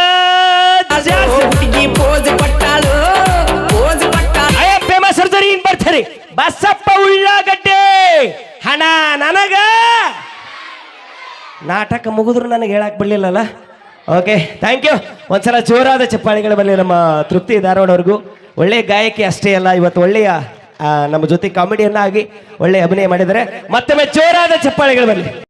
Speaker 2: ಫೇಮಸ್ ಸರ್ಜರಿ ಇನ್ ಬರ್ತಾರೆ ಬಸಪ್ಪ ಉಳ್ಳಾಗಡ್ಡೆ ಹಣ ನನಗ ನಾಟಕ ಮುಗಿದ್ರು ನನಗೆ ಹೇಳಕ್ ಬರ್ಲಿಲ್ಲಲ್ಲ ಓಕೆ ಥ್ಯಾಂಕ್ ಯು ಒಂದ್ಸಲ ಜೋರಾದ ಚಪ್ಪಾಳಿಗಳ ಬರಲಿ ನಮ್ಮ ತೃಪ್ತಿ ಧಾರವಾಡವ್ರಿಗೂ ಒಳ್ಳೆಯ ಗಾಯಕಿ ಅಷ್ಟೇ ಅಲ್ಲ ಇವತ್ತು ಒಳ್ಳೆಯ ಆ, ನಮ್ಮ ಜೊತೆ ಕಾಮಿಡಿಯನ್ನ ಆಗಿ ಒಳ್ಳೆಯ ಅಭಿನಯ ಮಾಡಿದ್ದಾರೆ ಮತ್ತೊಮ್ಮೆ ಜೋರಾದ ಚಪ್ಪಾಳಿಗಳು ಬರಲಿ